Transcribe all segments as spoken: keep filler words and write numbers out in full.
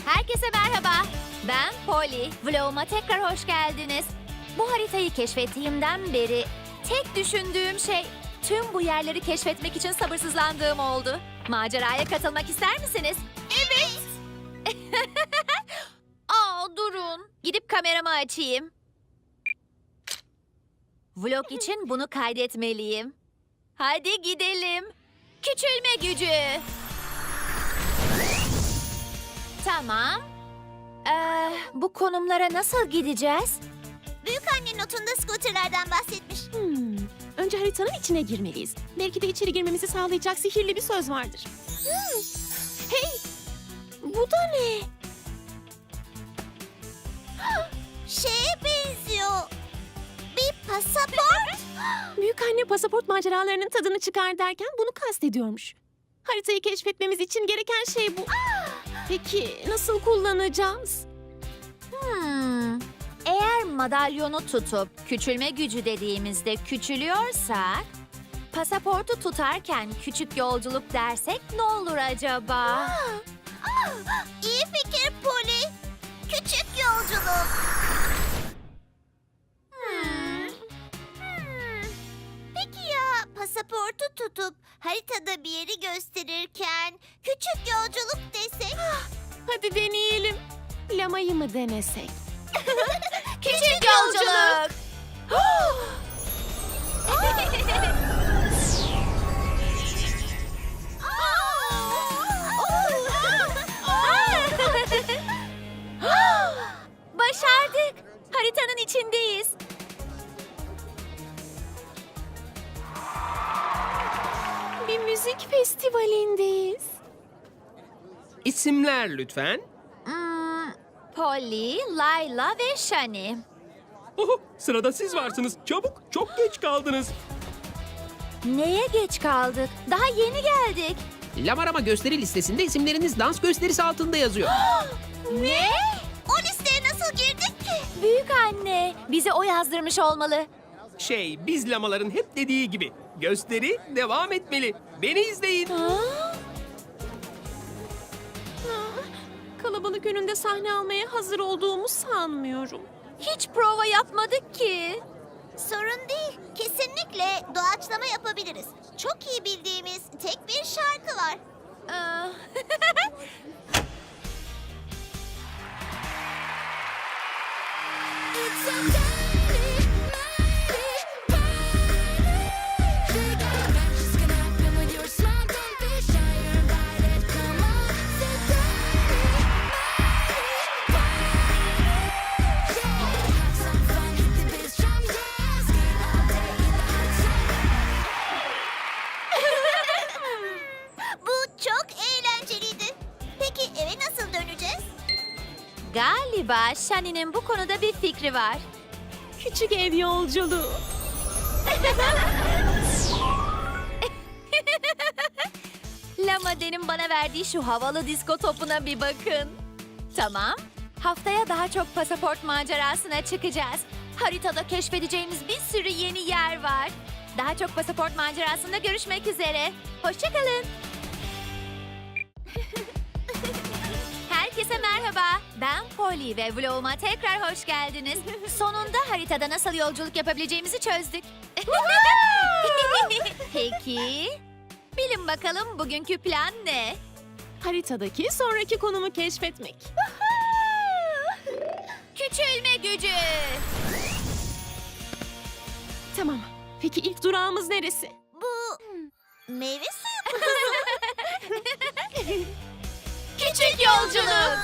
Herkese merhaba. Ben Polly. Vloguma tekrar hoş geldiniz. Bu haritayı keşfettiğimden beri tek düşündüğüm şey tüm bu yerleri keşfetmek için sabırsızlandığım oldu. Maceraya katılmak ister misiniz? Evet. Aa, durun. Gidip kameramı açayım. Vlog için bunu kaydetmeliyim. Hadi gidelim. Küçülme gücü. Tamam. Ee, bu konumlara nasıl gideceğiz? Büyükanne notunda scooterlardan bahsetmiş. Hmm. Önce haritanın içine girmeliyiz. Belki de içeri girmemizi sağlayacak sihirli bir söz vardır. Hmm. Hey! Bu da ne? Şeye benziyor. Bir pasaport. Büyükanne pasaport maceralarının tadını çıkar derken bunu kastediyormuş. Haritayı keşfetmemiz için gereken şey bu. Peki nasıl kullanacağız? Hmm. Eğer madalyonu tutup küçülme gücü dediğimizde küçülüyorsak, pasaportu tutarken küçük yolculuk dersek ne olur acaba? İyi fikir Polly. Küçük yolculuk. Hmm. Hmm. Peki ya pasaportu tutup haritada bir yeri gösterirken küçük yolculuk desek? Hadi deneyelim. Lamayı mı denesek? Küçük yolculuk. Başardık. Haritanın içindeyiz. Bir müzik festivalindeyiz. İsimler lütfen. Hmm, Polly, Layla ve Shani. Oho, sırada siz varsınız. Çabuk, çok geç kaldınız. Neye geç kaldık? Daha yeni geldik. Lamarama gösteri listesinde isimleriniz dans gösterisi altında yazıyor. Ne? O listeye nasıl girdik ki? Büyük anne, bize o yazdırmış olmalı. Şey, biz lamaların hep dediği gibi. Gösteri devam etmeli. Beni izleyin. Kalabalık önünde sahne almaya hazır olduğumu sanmıyorum. Hiç prova yapmadık ki. Sorun değil. Kesinlikle doğaçlama yapabiliriz. Çok iyi bildiğimiz tek bir şarkı var. Aa, Bu çok eğlenceliydi. Peki eve nasıl döneceğiz? Galiba Shani'nin bu konuda bir fikri var. Küçük ev yolculuğu. Lamade'nin bana verdiği şu havalı disko topuna bir bakın. Tamam. Haftaya daha çok pasaport macerasına çıkacağız. Haritada keşfedeceğimiz bir sürü yeni yer var. Daha çok pasaport macerasında görüşmek üzere. Hoşçakalın. Herkese merhaba. Ben Polly ve vloguma tekrar hoş geldiniz. Sonunda haritada nasıl yolculuk yapabileceğimizi çözdük. Peki, bilin bakalım bugünkü plan ne? Haritadaki sonraki konumu keşfetmek. Küçülme gücü. Tamam. Peki ilk durağımız neresi? Bu meyve suyu kutusu. Küçük yolculuk.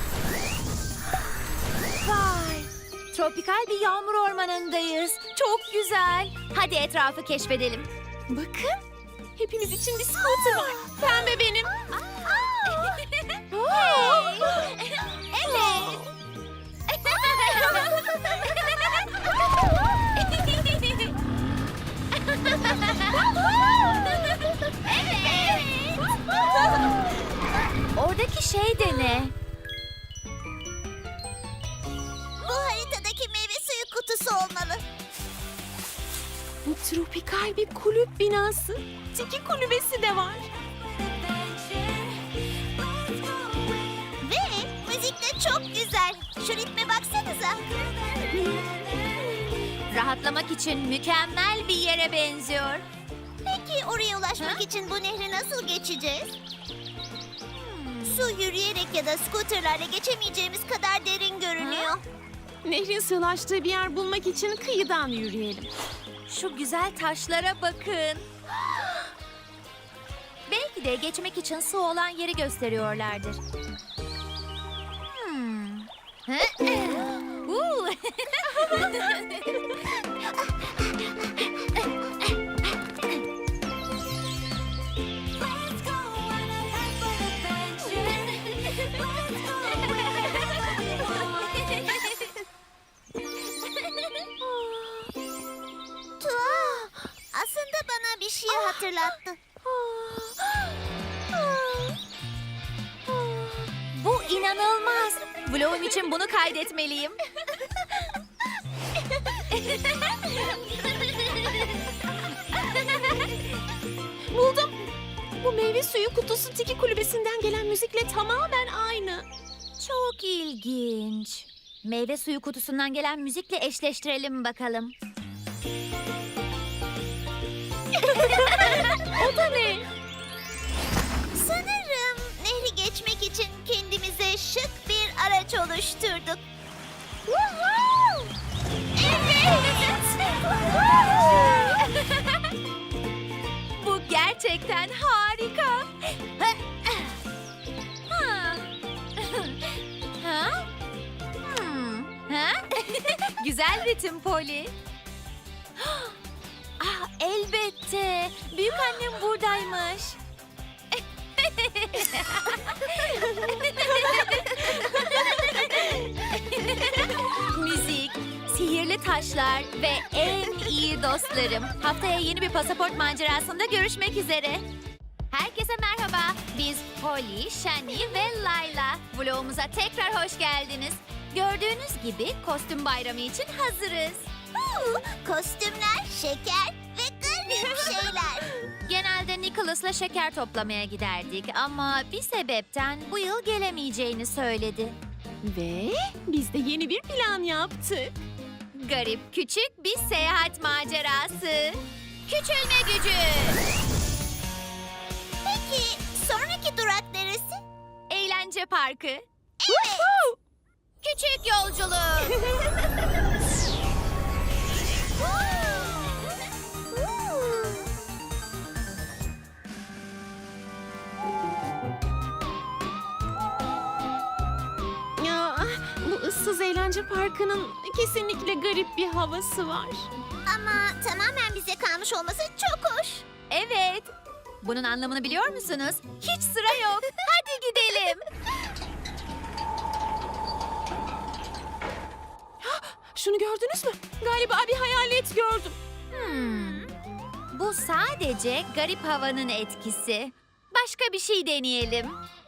Vay, tropikal bir yağmur ormanındayız. Çok güzel. Hadi etrafı keşfedelim. Bakın. Hepimiz için bir scooter var. Pembe benim. Hey. Evet. Evet. Oradaki şey de ne? Bu haritadaki meyve suyu kutusu olmalı. Bu tropikal bir kulüp binası. Tiki kulübesi de var. Ve Şu ritme baksanıza. Rahatlamak için mükemmel bir yere benziyor. Peki oraya ulaşmak için bu nehri nasıl geçeceğiz? Su yürüyerek ya da scooterlarla geçemeyeceğimiz kadar derin görünüyor. Nehrin sığlaştığı bir yer bulmak için kıyıdan yürüyelim. Şu güzel taşlara bakın. Belki de geçmek için su olan yeri gösteriyorlardır. Hmm. Uuu. Tuhaf. Aslında bana bir şey hatırlattı. Bu inanılmaz. Vlogum için bunu kaydetmeliyim. Buldum. Bu meyve suyu kutusu Tiki kulübesinden gelen müzikle tamamen aynı. Çok ilginç. Meyve suyu kutusundan gelen müzikle eşleştirelim bakalım. O da ne? Sanırım nehri geçmek için kendimize şık bir araç oluşturduk. Woohoo! Bu gerçekten harika. Ha? Ha? Hmm. Ha? Güzel ritim Polly. Ah, elbette. Büyük annem buradaymış. Müzik, sihirli taşlar ve en iyi dostlarım. Haftaya yeni bir pasaport macerasında görüşmek üzere. Herkese merhaba. Biz Polly, Shani ve Layla. Vlogumuza tekrar hoş geldiniz. Gördüğünüz gibi kostüm bayramı için hazırız. Huu, Kostümler, şeker ve garip şeyler. Genelde Nicholas'la şeker toplamaya giderdik ama bir sebepten bu yıl gelemeyeceğini söyledi. Ve biz de yeni bir plan yaptık. Garip küçük bir seyahat macerası. Küçülme gücü. Peki sonraki durak neresi? Eğlence parkı. Evet. Küçük yolculuk. Ya, bu ıssız eğlence parkının kesinlikle garip bir havası var. Ama tamamen bize kalmış olması çok hoş. Evet. Bunun anlamını biliyor musunuz? Hiç sıra yok. Hadi gidelim. Şunu gördünüz mü? Galiba bir hayalet gördüm. Hmm. Bu sadece garip havanın etkisi. Başka bir şey deneyelim.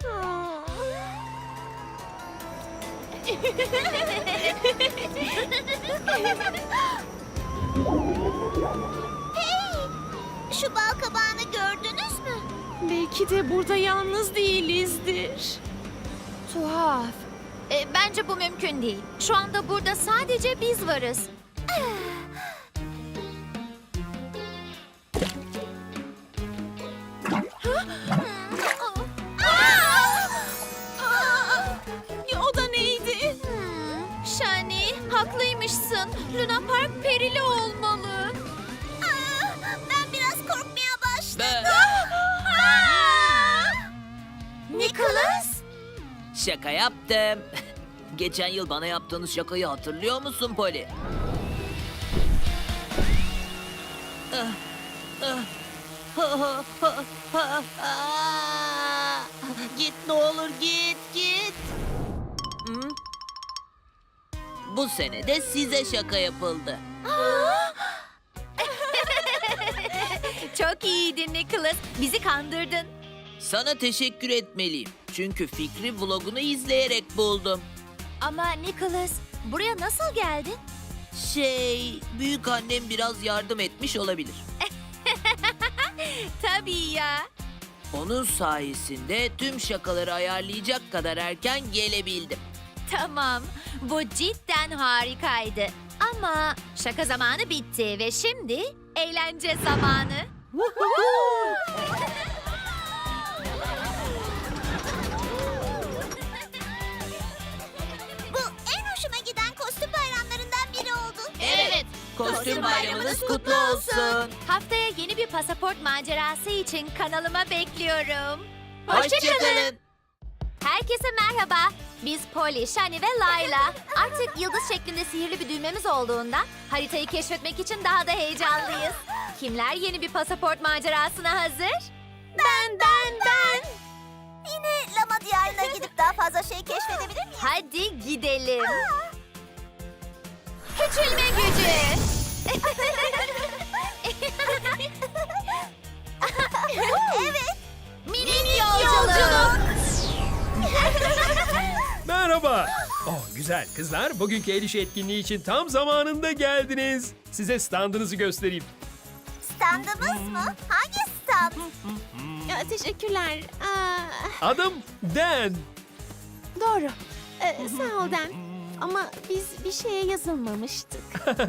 Şu bal kabağını gördünüz mü? Belki de burada yalnız değilizdir. Tuhaf. E, bence bu mümkün değil. Şu anda burada sadece biz varız. Ya, o da neydi? Hmm, Shani, haklıymışsın. Luna Park perili olmalı. Aa, ben biraz korkmaya başladım. Nicholas? Şaka yaptım. Geçen yıl bana yaptığınız şakayı hatırlıyor musun Polly? Ah, ah, ha, ha, ha, ha, ah. Git ne olur git git. Hı? Bu sene de size şaka yapıldı. Çok iyiydin Nicholas. Bizi kandırdın. Sana teşekkür etmeliyim. Çünkü fikri vlogunu izleyerek buldum. Ama Nicholas, buraya nasıl geldin? Şey, büyük annem biraz yardım etmiş olabilir. Tabii ya. Onun sayesinde tüm şakaları ayarlayacak kadar erken gelebildim. Tamam. Bu cidden harikaydı. Ama şaka zamanı bitti ve şimdi eğlence zamanı. Bu en hoşuma giden kostüm bayramlarından biri oldu. Evet. Kostüm bayramınız kutlu olsun. Haftaya yeni bir pasaport macerası için kanalıma bekliyorum. Hoşçakalın. Herkese merhaba. Biz Polly, Shani ve Layla. Artık yıldız şeklinde sihirli bir düğmemiz olduğundan haritayı keşfetmek için daha da heyecanlıyız. Kimler yeni bir pasaport macerasına hazır? Ben, ben, ben. Yine Lama Diyarı'na gidip daha fazla şey keşfedebilir miyim? Hadi gidelim. Küçülme gücü. Evet. Minik yolculuk. Merhaba. Oh güzel kızlar, bugünkü el işi etkinliği için tam zamanında geldiniz. Size standınızı göstereyim. Standımız mı? Hangi stand? Ya, teşekkürler. Aa, Adım Dan. doğru. Ee, sağ ol Dan. Ama biz bir şeye yazılmamıştık.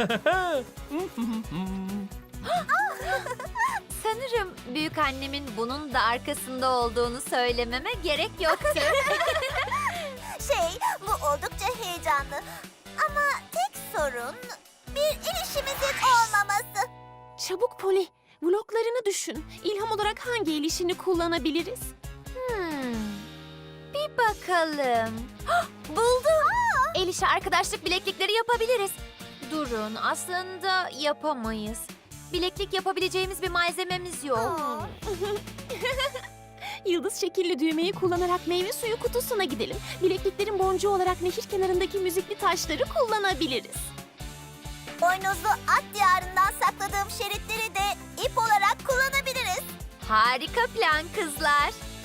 Sanırım büyük annemin bunun da arkasında olduğunu söylememe gerek yoktu. Şey, bu oldukça heyecanlı. Ama tek sorun bir el işimizin olmaması. Çabuk Polly, vloglarını düşün. İlham olarak hangi el işini kullanabiliriz? Hmm, bir bakalım. Hah, buldum. El işi arkadaşlık bileklikleri yapabiliriz. Durun, aslında yapamayız. Bileklik yapabileceğimiz bir malzememiz yok. Aa. Yıldız şekilli düğmeyi kullanarak meyve suyu kutusuna gidelim. Bilekliklerin boncuğu olarak nehir kenarındaki müzikli taşları kullanabiliriz. Boynuzlu at diyarından sakladığım şeritleri de ip olarak kullanabiliriz. Harika plan kızlar.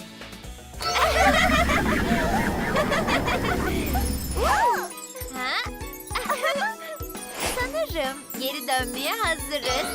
Ha? Sanırım geri dönmeye hazırız.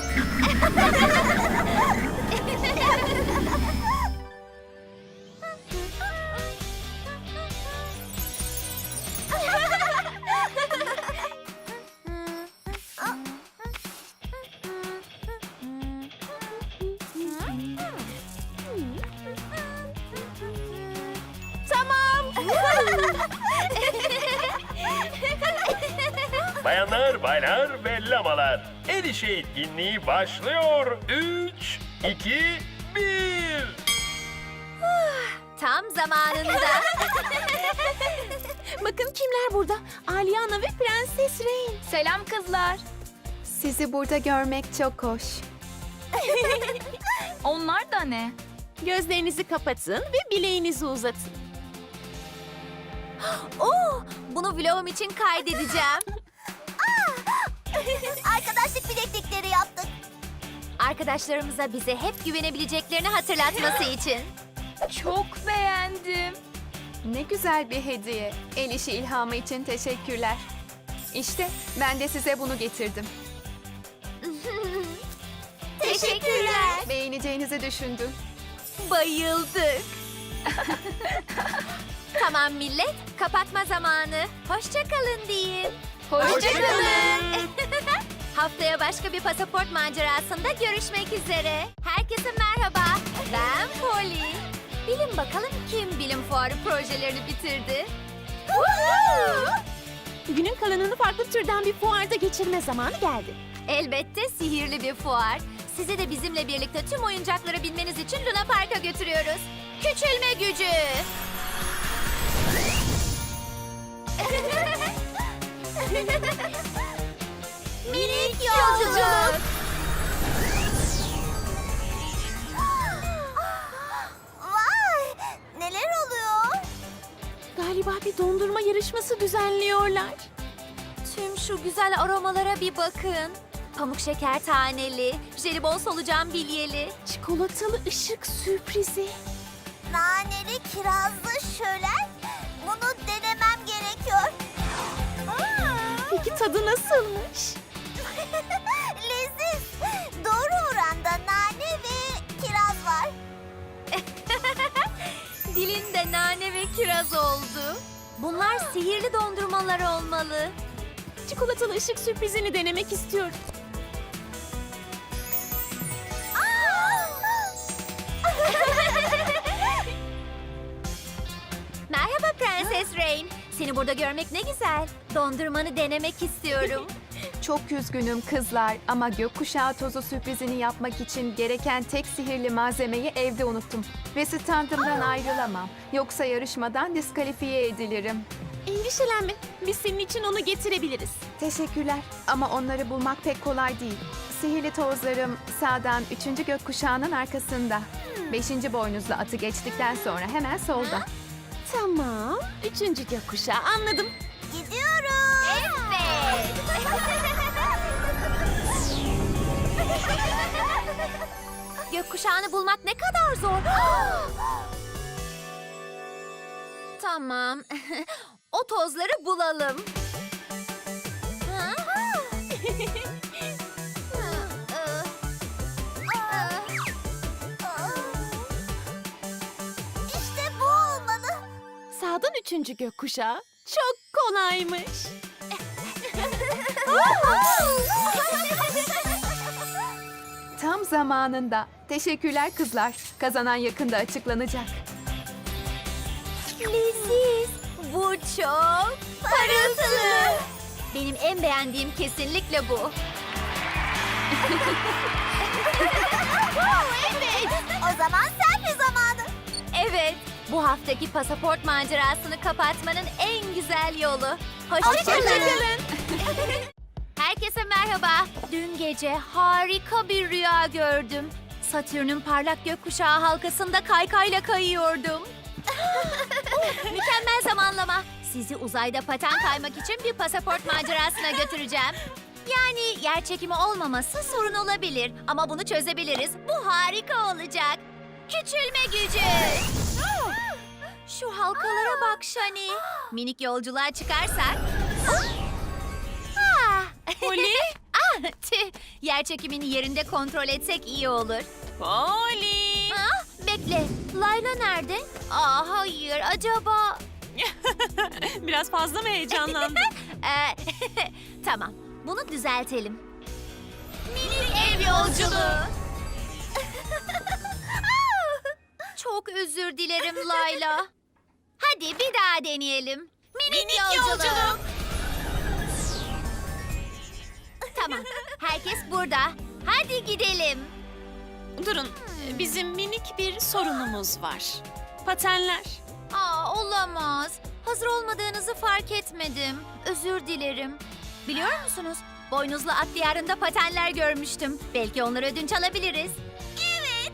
Bayanlar, baylar ve lamalar. El işi etkinliği başlıyor. Üç, iki, bir. Tam zamanında. Bakın kimler burada? Aliana ve Prenses Rain. Selam kızlar. Sizi burada görmek çok hoş. Onlar da ne? Gözlerinizi kapatın ve bileğinizi uzatın. Oo, bunu vlogum için kaydedeceğim. Arkadaşlık bileklikleri yaptık. Arkadaşlarımıza bize hep güvenebileceklerini hatırlatması için. Çok beğendim. Ne güzel bir hediye. El işi ilhamı için teşekkürler. İşte ben de size bunu getirdim. Teşekkürler. Beğeneceğinizi düşündüm. Bayıldık. Tamam millet, kapatma zamanı. Hoşça kalın deyin. Hoşça kalın. Haftaya başka bir pasaport macerasında görüşmek üzere. Herkese merhaba. Ben Polly. Bilin bakalım kim bilim fuarı projelerini bitirdi? Günün kalanını farklı türden bir fuarda geçirme zamanı geldi. Elbette sihirli bir fuar. Sizi de bizimle birlikte tüm oyuncaklara binmeniz için Luna Park'a götürüyoruz. Küçülme gücü. Minik yolculuk. Vay! Neler oluyor? Galiba bir dondurma yarışması düzenliyorlar. Tüm şu güzel aromalara bir bakın. Pamuk şeker taneli, jelibon solucan bilyeli. Çikolatalı ışık sürprizi. Naneli kirazlı şölen. Bunu denemem gerekiyor. Aa! Peki tadı nasılmış? Leziz. Doğru oranda nane ve kiraz var. Dilinde nane ve kiraz oldu. Bunlar sihirli dondurmalar olmalı. Çikolatalı ışık sürprizini denemek istiyorum. Merhaba Prenses Rain. Seni burada görmek ne güzel. Dondurmanı denemek istiyorum. Çok üzgünüm kızlar ama gökkuşağı tozu sürprizini yapmak için gereken tek sihirli malzemeyi evde unuttum. Ve standımdan ayrılamam. Yoksa yarışmadan diskalifiye edilirim. Endişelenme. Biz senin için onu getirebiliriz. Teşekkürler ama onları bulmak pek kolay değil. Sihirli tozlarım sağdan üçüncü gökkuşağının arkasında. Beşinci boynuzlu atı geçtikten sonra hemen solda. Tamam. Üçüncü gökkuşağı anladım. Gidiyoruz. Evet. Gökkuşağını bulmak ne kadar zor. Tamam. O tozları bulalım. Ha? İşte bu olmalı. Sağdan üçüncü gökkuşağı. Çok kolaymış. Tam zamanında. Teşekkürler kızlar. Kazanan yakında açıklanacak. Leziz. Bu çok parıltılı. Benim en beğendiğim kesinlikle bu. Evet. O zaman selfie zamanı. Evet, bu haftaki pasaport macerasını kapatmanın en güzel yolu. Hoşçakalın. Herkese merhaba. Dün gece harika bir rüya gördüm. Satürn'ün parlak gökkuşağı halkasında kaykayla kayıyordum. Mükemmel zamanlama. Sizi uzayda paten kaymak için bir pasaport macerasına götüreceğim. Yani yer çekimi olmaması sorun olabilir ama bunu çözebiliriz. Bu harika olacak. Küçülme gücü. Şu halkalara bak Shani. Minik yolculuğa çıkarsak. Ah. Polly? Ah, tüh. Yer çekimini yerinde kontrol etsek iyi olur. Polly! Ah, bekle. Layla nerede? Aa, hayır. Acaba... Biraz fazla mı heyecanlandın? Ee, tamam. Bunu düzeltelim. Minik ev yolculuğu. Çok özür dilerim Layla. Hadi bir daha deneyelim. Minik, yolculuk. Tamam. Herkes burada. Hadi gidelim. Durun. Bizim minik bir sorunumuz var. Patenler. Aa, olamaz. Hazır olmadığınızı fark etmedim. Özür dilerim. Biliyor musunuz? Boynuzlu at diyarında patenler görmüştüm. Belki onları ödünç alabiliriz. Evet.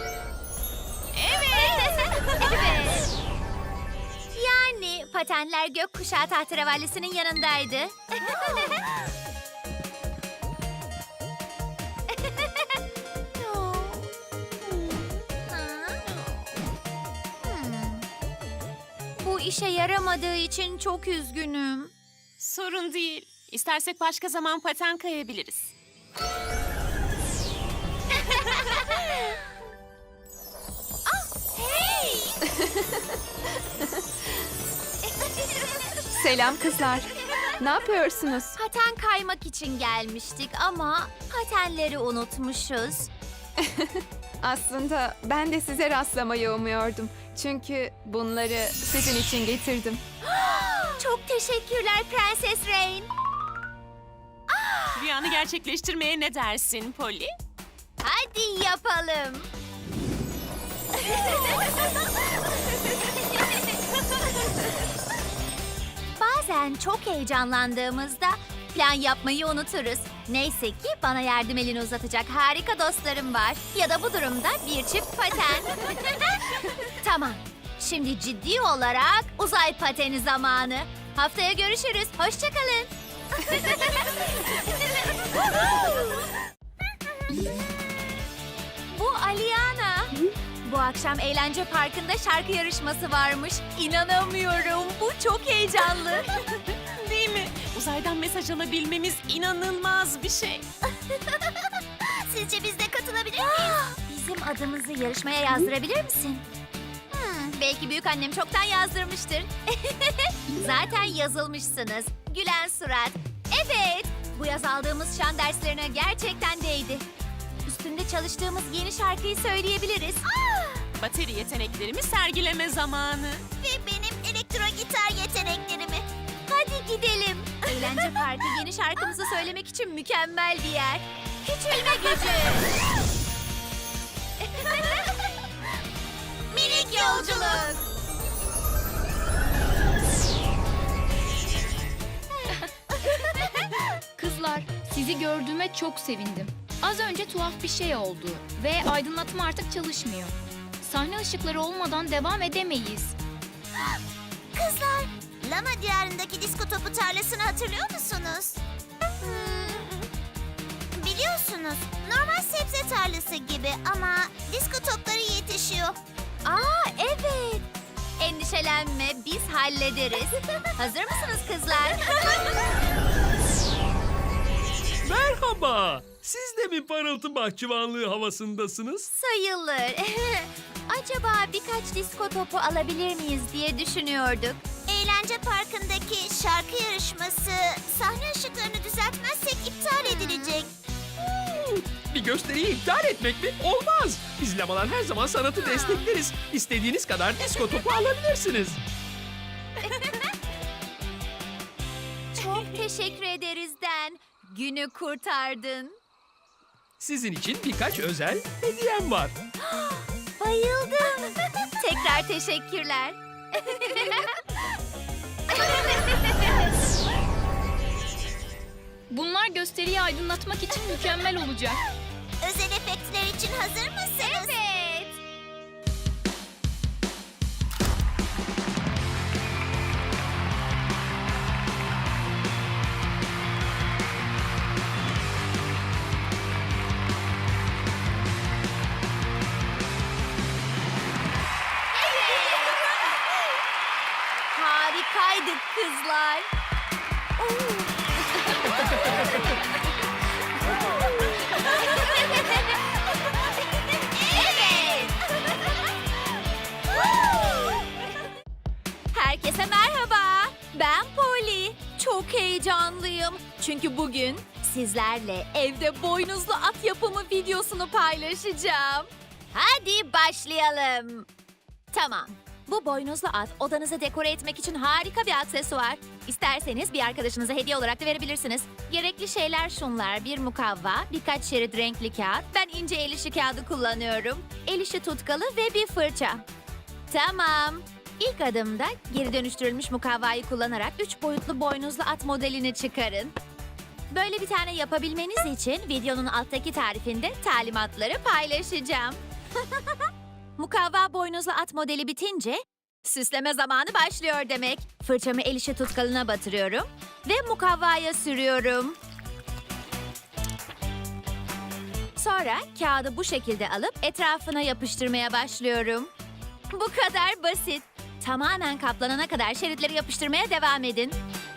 Evet. Evet. Yani patenler gökkuşağı tahterevallisinin yanındaydı. Bu işe yaramadığı için çok üzgünüm. Sorun değil. İstersek başka zaman paten kayabiliriz. Hey! Selam kızlar. Ne yapıyorsunuz? Paten kaymak için gelmiştik ama patenleri unutmuşuz. Aslında ben de size rastlamayı umuyordum. Çünkü bunları sizin için getirdim. Çok teşekkürler Prenses Rain. Rüyanı gerçekleştirmeye ne dersin Polly? Hadi yapalım. Bazen çok heyecanlandığımızda plan yapmayı unuturuz. Neyse ki bana yardım elini uzatacak harika dostlarım var. Ya da bu durumda bir çift paten. Tamam. Şimdi ciddi olarak uzay pateni zamanı. Haftaya görüşürüz. Hoşçakalın. Bu Aliana. Bu akşam eğlence parkında şarkı yarışması varmış. İnanamıyorum. Bu çok heyecanlı. Değil mi? Uzaydan mesaj alabilmemiz inanılmaz bir şey. Sizce biz de katılabilir miyiz? Bizim adımızı yarışmaya yazdırabilir misin? Hmm, Belki büyük annem çoktan yazdırmıştır. Zaten yazılmışsınız. Gülen surat. Evet, bu yaz aldığımız şan derslerine gerçekten değdi. Üstünde çalıştığımız yeni şarkıyı söyleyebiliriz. Bateri yeteneklerimi sergileme zamanı. Ve benim elektro gitar yeteneklerimi. Hadi gidelim. Eğlence Parkı yeni şarkımızı söylemek için mükemmel bir yer. Küçülme gücü. Minik yolculuk. Kızlar, sizi gördüğüme çok sevindim. Az önce tuhaf bir şey oldu ve aydınlatma artık çalışmıyor. Sahne ışıkları olmadan devam edemeyiz. Kızlar, Lama diyarındaki disko topu tarlasını hatırlıyor musunuz? Hmm, biliyorsunuz, normal sebze tarlası gibi ama disko topları yetişiyor. Aa evet. Endişelenme, biz hallederiz. Hazır mısınız kızlar? Merhaba. Siz de mi parıltı bahçıvanlığı havasındasınız? Sayılır. Acaba birkaç disko topu alabilir miyiz diye düşünüyorduk. Eğlence parkındaki şarkı yarışması sahne ışıklarını düzeltmezsek iptal edilecek. Bir gösteriyi iptal etmek mi? Olmaz. Biz lamalar her zaman sanatı destekleriz. İstediğiniz kadar disko topu alabilirsiniz. Çok teşekkür ederiz Den. Günü kurtardın. Sizin için birkaç özel hediyem var. Bayıldım. Tekrar teşekkürler. Bunlar gösteriyi aydınlatmak için mükemmel olacak. Özel efektler için hazır mısınız? Evet. Harikaydık kızlar. Evet. Herkese merhaba. Ben Polly. Çok heyecanlıyım. Çünkü bugün sizlerle evde boynuzlu at yapımı videosunu paylaşacağım. Hadi başlayalım. Tamam. Bu boynuzlu at odanızı dekore etmek için harika bir aksesuar. İsterseniz bir arkadaşınıza hediye olarak da verebilirsiniz. Gerekli şeyler şunlar: bir mukavva, birkaç şerit renkli kağıt. Ben ince el işi kağıdı kullanıyorum. El işi tutkalı ve bir fırça. Tamam. İlk adımda geri dönüştürülmüş mukavvayı kullanarak üç boyutlu boynuzlu at modelini çıkarın. Böyle bir tane yapabilmeniz için videonun alttaki tarifinde talimatları paylaşacağım. Mukavva boynuzlu at modeli bitince süsleme zamanı başlıyor demek. Fırçamı el işi tutkalına batırıyorum ve mukavvaya sürüyorum. Sonra kağıdı bu şekilde alıp etrafına yapıştırmaya başlıyorum. Bu kadar basit. Tamamen kaplanana kadar şeritleri yapıştırmaya devam edin.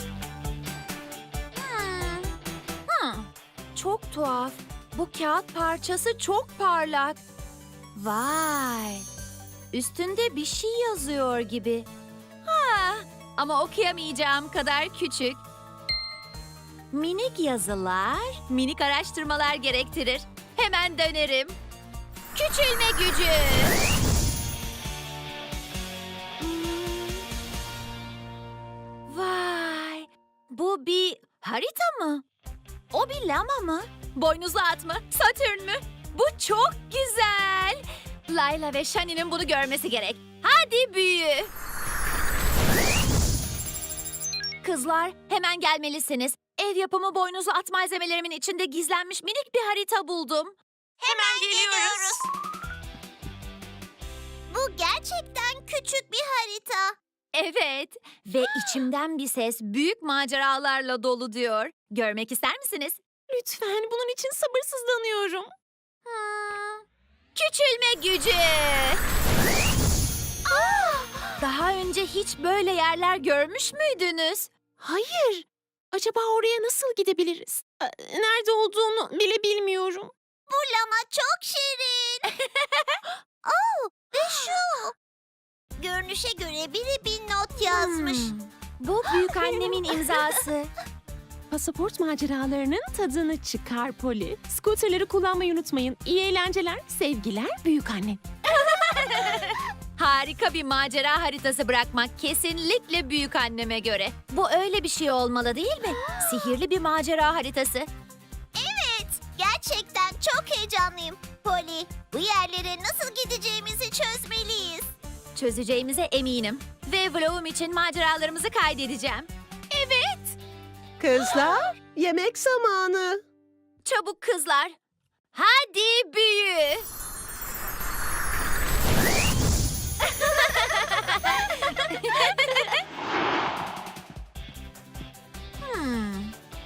Hmm. Hmm. Çok tuhaf. Bu kağıt parçası çok parlak. Vay! Üstünde bir şey yazıyor gibi. Ha, ama okuyamayacağım kadar küçük. Minik yazılar, minik araştırmalar gerektirir. Hemen dönerim. Küçülme gücü. Hmm. Vay! Bu bir harita mı? O bir lama mı? Boynuzlu at mı? Satürn mü? Bu çok güzel. Layla ve Shani'nin bunu görmesi gerek. Hadi büyü. Kızlar, hemen gelmelisiniz. Ev yapımı boynuzlu at malzemelerimin içinde gizlenmiş minik bir harita buldum. Hemen geliyoruz. Bu gerçekten küçük bir harita. Evet ve içimden bir ses büyük maceralarla dolu diyor. Görmek ister misiniz? Lütfen, bunun için sabırsızlanıyorum. Hmm. Küçülme gücü. Ah! Daha önce hiç böyle yerler görmüş müydünüz? Hayır. Acaba oraya nasıl gidebiliriz? Ee, Nerede olduğunu bile bilmiyorum. Bu lama çok şirin. Oh, ve şu. Görünüşe göre biri bir not yazmış. Bu büyük annemin imzası. Pasaport maceralarının tadını çıkar Poli. Scooterları kullanmayı unutmayın. İyi eğlenceler, sevgiler büyük anne. Harika bir macera haritası bırakmak kesinlikle büyük anneme göre. Bu öyle bir şey olmalı değil mi? Sihirli bir macera haritası. Evet, gerçekten çok heyecanlıyım. Polly, bu yerlere nasıl gideceğimizi çözmeliyiz. Çözeceğimize eminim. Ve vlogum için maceralarımızı kaydedeceğim. Kızlar, yemek zamanı. Çabuk kızlar. Hadi büyü. Hmm.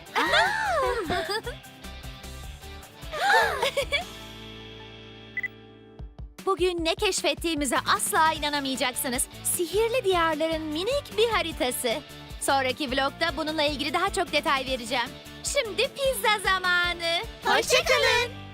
Bugün ne keşfettiğimize asla inanamayacaksınız. Sihirli diyarların minik bir haritası. Sonraki vlogda bununla ilgili daha çok detay vereceğim. Şimdi pizza zamanı. Hoşçakalın.